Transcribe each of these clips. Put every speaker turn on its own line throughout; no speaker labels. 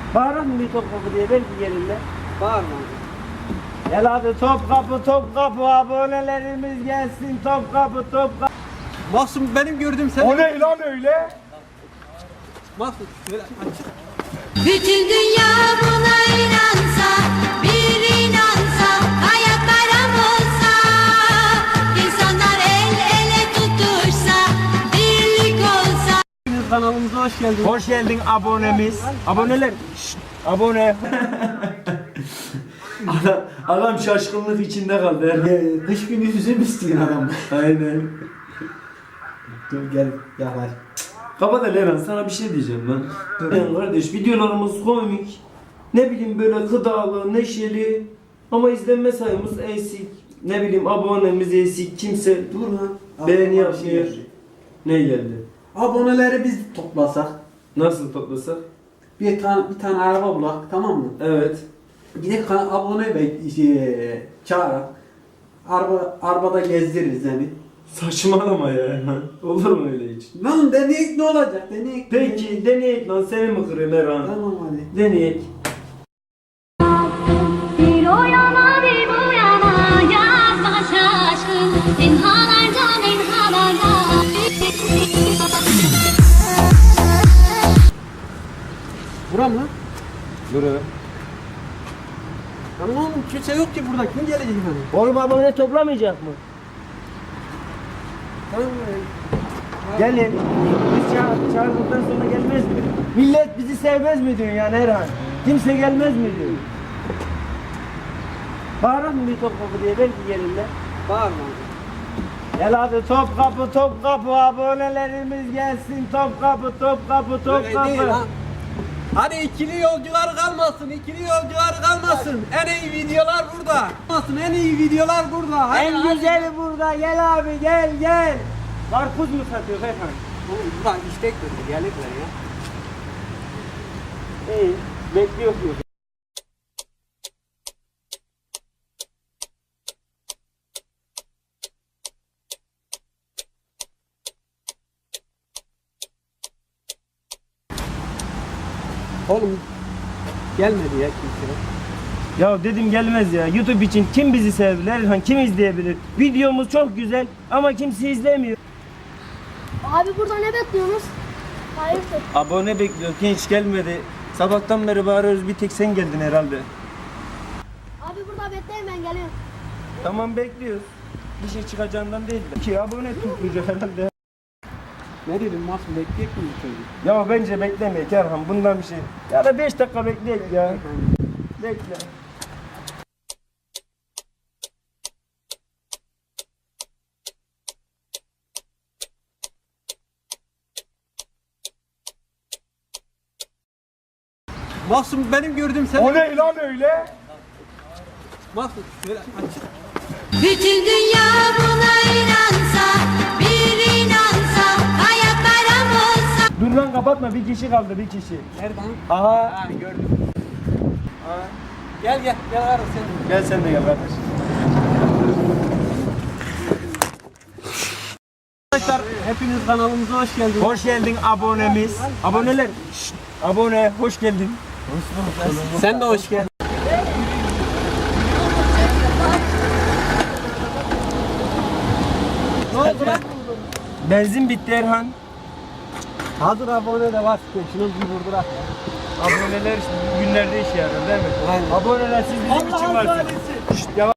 Bağırır mı bir Topkapı diye belki gelirler.
Bağırma.
Gel hadi Topkapı abonelerimiz gelsin Topkapı.
Mahsun benim gördüğüm sen.
O ne lan öyle?
Mahsun şöyle açık.
Bütün dünya buna inansa, bir inansa, hayat bayram olsa, insanlar el ele tutuşsa, birlik olsa.
Kanalımıza hoş geldiniz.
Hoş geldin abonemiz. Aboneler. Şşt, abone. Adam şaşkınlık içinde kaldı.
Kış günü üzüm istiyor adam.
Aynen.
Dur gel yakar.
Kapat Eren, sana bir şey diyeceğim lan. Yani kardeş videolarımız komik. Ne bileyim böyle gıdalı, neşeli. Ama izlenme sayımız eksik. Ne bileyim abonemiz eksik. Kimse
Dur lan.
beğeni
Aklıma bir şey
yapmıyor.
geldi.
Ne geldi?
Aboneleri biz toplasak.
Nasıl toplasak?
Bir tane araba bulak, tamam mı?
Evet.
Gidip abone çağırak arabada gezdiririz yani.
Saçmalama ya. Olur mu öyle hiç?
Lan deneyek ne olacak? Deneyek.
Peki deneyek lan, seni mi kırayım Erhan?
Tamam hadi.
Deneyek.
Bir o yana bir bu yana, yazma şaşkın, imhalardan imhalara.
Buram lan.
Dur.
Lan oğlum kimse yok ki burada. Kim gelecek hani?
Oğlum abone toplamayacak mı?
Tamam.
Gelin. Biz çağırdıktan sonra gelmez mi? Millet bizi sevmez mi diyor yani Erhan? Kimse gelmez mi diyor? Bağırır mı bir Topkapı diye belki gelirler.
Bağırma.
Gel hadi Topkapı abonelerimiz gelsin Topkapı.
Öyle değil lan. Hadi ikili yolcular kalmasın, ikili yolcular kalmasın. En iyi videolar burada. Kalmasın, en iyi videolar burada. Hadi,
En güzeli burada, gel abi gel. Karpuz mu satıyor Erhan?
Oğlum burada istek verdi, gelirler ya.
İyi, bekliyor.
Oğlum gelmedi ya kimse.
Ya dedim gelmez ya. YouTube için kim bizi sevebilir Erhan? Kim izleyebilir? Videomuz çok güzel ama kimse izlemiyor.
Abi burada ne bekliyorsunuz? Hayırdır?
Abone bekliyor. Hiç gelmedi. Sabahtan beri bağırıyoruz. Bir tek sen geldin herhalde.
Abi burada bekleyin ben geliyorum.
Tamam bekliyoruz. Bir şey çıkacağından değil de. Ki abone tutmayacak herhalde.
Ne dedim Mahsun bekleyecek mi bu çocuk?
Ya bence beklemeyin Erhan. Bundan bir şey. Ya da 5 dakika bekleyin ya. Bekle.
Mahsun benim gördüğüm sen.
O ne lan öyle?
Mahsun şöyle açık.
Bütün dünya buna inansa, bir inansa, hayat bayram olsa.
Dur lan kapatma. Bir kişi kaldı, bir kişi.
Nereden?
Aha.
Ha gördüm. Gel ara sen.
Gel sen de gel kardeş.
Arkadaşlar hepiniz kanalımıza hoş geldiniz.
Hoş geldin abonemiz. Aboneler. Şşt, abone hoş geldin.
Sen de hoş geldin. Ne oldu lan?
Benzin bitti Erhan.
Hazır abone de var. Şunu bir vurdurak.
Aboneler işte günlerde işe yarar değil mi?
Aynen.
Aboneler siz bizim için varsınız. Şşt, yavaş.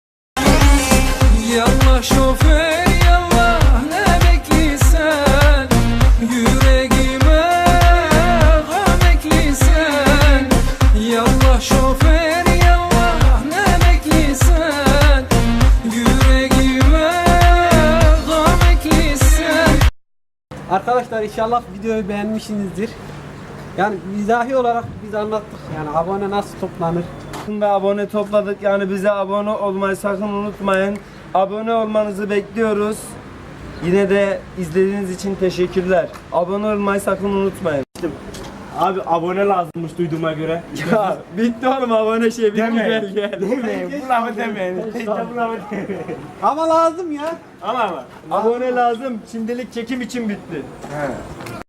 Yallah şoför yallah ne bekliysen yüreğime gam ekliysen Yallah şoför yallah ne bekliysen yüreğime gam ekliysen.
Arkadaşlar inşallah videoyu beğenmişsinizdir. Yani mizahi olarak biz anlattık. Yani abone nasıl toplanır?
Ve abone topladık. Yani bize abone olmayı sakın unutmayın. Abone olmanızı bekliyoruz. Yine de izlediğiniz için teşekkürler. Abone olmayı sakın unutmayın. Abi abone lazımmış duyduğuma göre. Ya bitti oğlum abone şey bitti. Demeyin. Demeyin. Bu lafı demeyin. İşte bu lafı demeyin.
Ama lazım ya.
Ama abone lazım. Şimdilik çekim için bitti.